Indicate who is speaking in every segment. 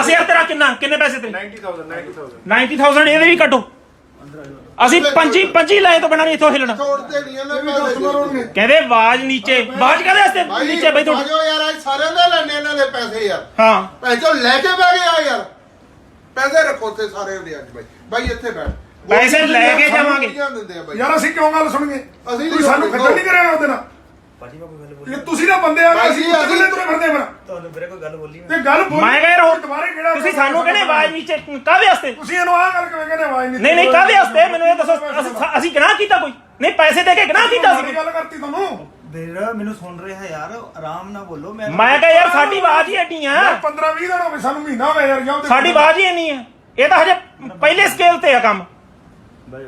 Speaker 1: 10,000 तेरा किन्ने पैसे थे 90,000 ਇਹਦੇ ਵੀ ਕੱਟੋ ਅਸੀਂ 25 ਲਾਏ ਤੋਂ ਬਿਨਾਂ ਨਹੀਂ ਇੱਥੋਂ ਹਿਲਣਾ ਕਹਿੰਦੇ ਆਵਾਜ਼ ਨੀਚੇ ਆਵਾਜ਼ ਕਾਹਦੇ ਵਾਸਤੇ ਨੀਚੇ ਬਈ ਤੁਹਾਡੇ
Speaker 2: ਯਾਰ ਅੱਜ ਸਾਰਿਆਂ ਦੇ ਲੈਣੇ ਇਹਨਾਂ ਦੇ ਪੈਸੇ ਯਾਰ
Speaker 1: ਹਾਂ
Speaker 2: ਪੈਸੇ ਲੈ ਕੇ ਬਹਿ ਗਏ ਆ ਯਾਰ ਪੈਸੇ ਰੱਖੋ ਤੇ ਸਾਰੇ ਦੇ ਅੱਜ ਬਾਈ ਇੱਥੇ ਬੈਠ
Speaker 1: ਪੈਸੇ ਲੈ ਕੇ ਜਾਵਾਂਗੇ
Speaker 3: ਯਾਰ ਅਸੀਂ ਕਿਉਂ ਗੱਲ ਸੁਣੀਏ ਤੁਸੀਂ ਸਾਨੂੰ ਖੱਜਲ ਨਹੀਂ ਕਰਿਆ ਉਹਦੇ ਨਾਲ
Speaker 4: ਭਾਜੀ ਮੈਂ ਕੋਈ ਗੱਲ ਬੋਲੀ
Speaker 3: ਤੁਸੀਂ ਤਾਂ ਬੰਦੇ ਆ ਅਸੀਂ ਕਿੱਥੇ ਤੁਰੇ ਫਿਰਦੇ ਫਿਰ
Speaker 4: ਤੁਹਾਨੂੰ ਵੀਰੇ ਕੋਈ ਗੱਲ ਬੋਲੀ
Speaker 3: ਤੇ ਗੱਲ ਬੋਲ
Speaker 1: ਮੈਂ ਕਿਹਾ ਹੋਰ
Speaker 3: ਦੁਬਾਰੇ ਕਿਹੜਾ
Speaker 1: ਤੁਸੀਂ ਸਾਨੂੰ ਕਹਿੰਦੇ ਆਵਾਜ਼ ਨੀਚੇ ਕਾਹਦੇ ਵਾਸਤੇ
Speaker 3: ਤੁਸੀਂ ਇਹਨੂੰ ਆਹ ਗੱਲ ਕਿਵੇਂ ਕਹਿੰਦੇ ਆਵਾਜ਼
Speaker 1: ਨਹੀਂ ਕਾਹਦੇ ਵਾਸਤੇ ਮੈਨੂੰ ਇਹ ਦੱਸੋ ਅਸੀਂ ਗੁਨਾਹ ਕੀਤਾ ਕੋਈ ਨਹੀਂ ਪੈਸੇ ਦੇ ਕੇ ਗੁਨਾਹ ਕੀਤਾ ਸੀ
Speaker 3: ਗੱਲ ਕਰਤੀ ਤੁਹਾਨੂੰ
Speaker 4: ਵੀਰ ਮੈਨੂੰ ਸੁਣ ਰਿਹਾ ਯਾਰ ਆਰਾਮ ਨਾਲ ਬੋਲੋ
Speaker 1: ਮੈਂ ਕਿਹਾ ਯਾਰ ਸਾਡੀ ਆਵਾਜ਼ ਹੀ ਐਡੀ ਆ
Speaker 3: 15-20 ਦਿਨ ਹੋ ਗਏ ਸਾਨੂੰ ਮਹੀਨਾ ਹੋਇਆ ਯਾਰ ਜਾਂ
Speaker 1: ਸਾਡੀ ਆਵਾਜ਼ ਹੀ ਇੰਨੀ ਆ ਇਹ ਤਾਂ ਹਜੇ ਪਹਿਲੇ ਸਕੇਲ ਤੇ ਆ ਕੰਮ
Speaker 4: ਬਾਈ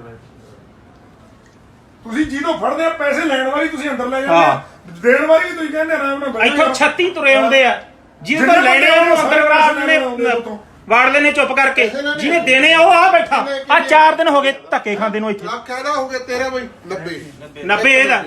Speaker 3: ਤੁਸੀਂ ਜਿਹਨੂੰ ਫੜਦੇ ਆ ਪੈਸੇ ਲੈਣ ਵਾਲੀ ਤੁਸੀਂ ਅੰਦਰ ਲੈ ਜਾਂਦੇ ਆ ਦੇਣ ਵਾਲੀ ਵੀ ਤੁਸੀਂ ਕਹਿੰਦੇ ਆਰਾਮ ਨਾਲ
Speaker 1: ਇੱਥੋਂ 36 ਤੁਰੇ ਆਉਂਦੇ ਆ ਜਿਹਦੇ ਤੋਂ ਲੈਣੇ ਉਹਨੂੰ ਅੰਦਰ ਵਾੜ ਲੈਣੇ ਚੁੱਪ ਕਰਕੇ ਜਿਹਨੇ ਦੇਣੇ ਆ ਉਹ ਆ ਬੈਠਾ ਆ 4 ਦਿਨ ਹੋ ਗਏ ਧੱਕੇ ਖਾਂਦੇ ਨੂੰ ਇੱਥੇ
Speaker 2: ਲੱਖ ਕਹਿਦਾ ਹੋ ਗਏ ਤੇਰਾ ਬਈ
Speaker 1: 90 ਇਹਦਾ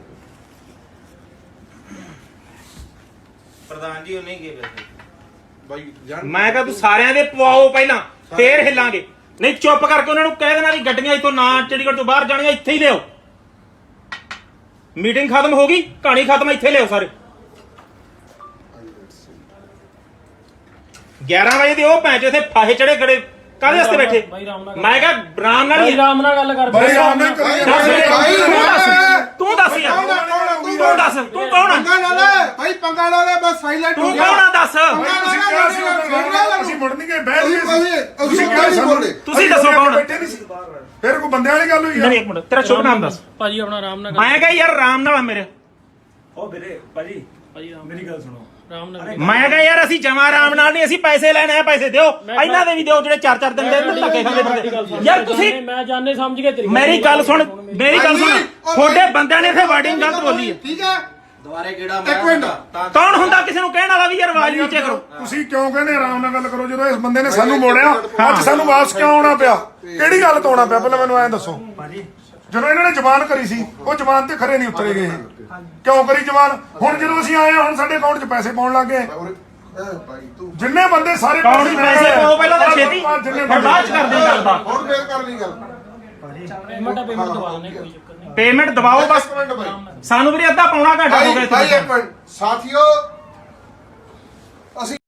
Speaker 4: ਪ੍ਰਧਾਨ ਜੀ ਉਹ ਨਹੀਂ ਗਏ ਵੈਸੇ
Speaker 2: ਬਾਈ
Speaker 1: ਮੈਂ ਕਿਹਾ ਤੂੰ ਸਾਰਿਆਂ ਦੇ ਪਵਾਓ ਪਹਿਲਾਂ ਫੇਰ ਹਿੱਲਾਂਗੇ ਨਹੀਂ ਚੁੱਪ ਕਰਕੇ ਉਹਨਾਂ ਨੂੰ ਕਹਿ ਦੇਣਾ ਵੀ ਗੱਡੀਆਂ ਇੱਥੋਂ ਨਾ ਚੰਡੀਗੜ੍ਹ ਤੋਂ ਬਾਹਰ ਜਾਣੀਆਂ ਇੱਥੇ ਹੀ ਲਿਓ ਮੀਟਿੰਗ ਖਤਮ ਹੋ ਗਈ ਕਹਾਣੀ ਖਤਮ ਇੱਥੇ ਲਿਓ ਸਾਰੇ 11 ਵਜੇ ਦੇ ਉਹ ਭੈਂਚ ਇੱਥੇ ਫਾਹੇ ਚੜੇ ਖੜੇ ਕਾਹਦੇ ਵਾਸਤੇ ਬੈਠੇ ਮੈਂ ਕਿਹਾ ਆਰਾਮ ਨਾਲ
Speaker 5: ਆਰਾਮ ਨਾਲ ਗੱਲ ਕਰ
Speaker 3: ਬਾਈ ਆਰਾਮ ਨਾਲ
Speaker 1: ਤੂੰ ਦੱਸ ਯਾਰ ਤੂੰ ਦੱਸ ਤੂੰ ਕੌਣ ਆ
Speaker 2: ਪੰਗਾ ਨਾ ਲੈ ਭਾਈ ਪੰਗਾ ਨਾ ਲੈ ਬਸ ਸਾਈਲੈਂਟ
Speaker 1: ਤੂੰ ਕੌਣ ਆ ਦੱਸ
Speaker 3: ਅਸੀਂ ਮੁੜ ਨਹੀਂ ਗਏ ਬਹਿ ਗਏ
Speaker 2: ਅਸੀਂ ਕਿਹਾ ਨਹੀਂ ਬੋਲਦੇ
Speaker 1: ਤੁਸੀਂ ਦੱਸੋ ਕੌਣ
Speaker 3: ਬੈਠੇ ਨਹੀਂ ਸੀ ਫਿਰ ਕੋਈ ਬੰਦਿਆਂ ਵਾਲੀ ਗੱਲ ਹੋਈ
Speaker 1: ਨਹੀਂ ਇੱਕ ਮਿੰਟ ਤੇਰਾ ਸ਼ੁਭ ਨਾਮ ਦੱਸ
Speaker 5: ਭਾਜੀ ਆਪਣਾ ਆਰਾਮ ਨਾਲ
Speaker 1: ਮੈਂ ਕਿਹਾ ਯਾਰ ਆਰਾਮ ਨਾਲ ਮੇਰੇ
Speaker 4: ਉਹ ਵੀਰੇ ਭਾਜੀ
Speaker 5: ਭਾਜੀ
Speaker 4: ਮੇਰੀ ਗੱਲ ਸੁਣੋ
Speaker 5: ਆਰਾਮ ਨਾਲ
Speaker 1: ਮੈਂ ਕਿਹਾ ਯਾਰ ਅਸੀਂ ਜਮਾ ਆਰਾਮ ਨਾਲ ਨਹੀਂ ਅਸੀਂ ਪੈਸੇ ਲੈਣੇ ਆ ਪੈਸੇ ਦਿਓ ਇਹਨਾਂ ਦੇ ਵੀ ਦਿਓ ਜਿਹੜੇ 4-4 ਦਿਨ ਦੇ ਧੱਕੇ ਖਾਂਦੇ ਫਿਰਦੇ ਯਾਰ ਤੁਸੀਂ
Speaker 5: ਮੈਂ ਜਾਣੇ ਸਮਝ ਕੇ ਤੇਰੀ
Speaker 1: ਮੇਰੀ ਗੱਲ ਸੁਣ ਤੁਹਾਡੇ ਬੰਦਿਆਂ ਨੇ ਇੱਥੇ ਵਾਰਡਿੰਗ ਗਲਤ ਬੋਲੀ ਹੈ
Speaker 2: ਠੀਕ ਹੈ
Speaker 4: ਦੁਬਾਰੇ ਕਿਹੜਾ
Speaker 2: ਇੱਕ ਮਿੰਟ
Speaker 1: ਕੌਣ ਹੁੰਦਾ ਕਿਸੇ ਨੂੰ ਕਹਿਣ ਵਾਲਾ ਵੀ ਯਾਰ ਆਵਾਜ਼ ਨੀਚੇ ਕਰੋ
Speaker 3: ਤੁਸੀਂ ਕਿਉਂ ਕਹਿੰਦੇ ਆਰਾਮ ਨਾਲ ਗੱਲ ਕਰੋ ਜਦੋਂ ਇਸ ਬੰਦੇ ਨੇ ਸਾਨੂੰ ਮੋੜਿਆ ਅੱਜ ਸਾਨੂੰ ਵਾਪਸ ਕਿਉਂ ਆਉਣਾ ਪਿਆ ਕਿਹੜੀ ਗੱਲ ਤੋਂ ਆਉਣਾ ਪਿਆ ਪਹਿਲਾਂ ਮੈਨੂੰ ਐਂ ਦੱਸੋ ਜਦੋਂ ਇਹਨਾਂ ਨੇ ਜ਼ਬਾਨ ਕਰੀ ਸੀ ਉਹ ਜ਼ਬਾਨ ਤੇ ਖਰੇ ਨਹੀਂ ਉਤਰੇ ਗਏ ਕਿਉਂ ਕਰੀ ਜ਼ਬਾਨ ਹੁਣ ਜਦੋਂ ਅਸੀਂ ਆਏ ਹੁਣ ਸਾਡੇ ਅਕਾਊਂਟ 'ਚ ਪੈਸੇ ਪਾਉਣ ਲੱਗ ਗਏ ਜਿੰਨੇ ਬੰਦੇ ਸਾਰੇ
Speaker 1: ਕੌਣ ਪੈਸੇ ਪਾਓ ਪਹਿਲਾਂ ਤਾਂ ਛੇਤੀ ਫਿਰ ਬਾਅਦ ਚ ਕਰਦੇ ਗੱਲ ਦਾ
Speaker 2: ਹੁਣ ਫੇਰ ਕਰ ਲਈ ਗੱਲ
Speaker 5: ਪੇਮੈਂਟ ਦਵਾ ਦੇਣੇ ਕੋਈ ਚੱਕਰ ਨਹੀਂ
Speaker 1: ਪੇਮੈਂਟ ਦਬਾਓ ਬਸ ਸਾਨੂੰ ਵੀ ਅੱਧਾ ਪੌਣਾ ਘੰਟਾ ਹੋ ਗਿਆ
Speaker 2: ਭਾਈ ਇੱਕ ਮਿੰਟ ਸਾਥੀਓ ਅਸੀਂ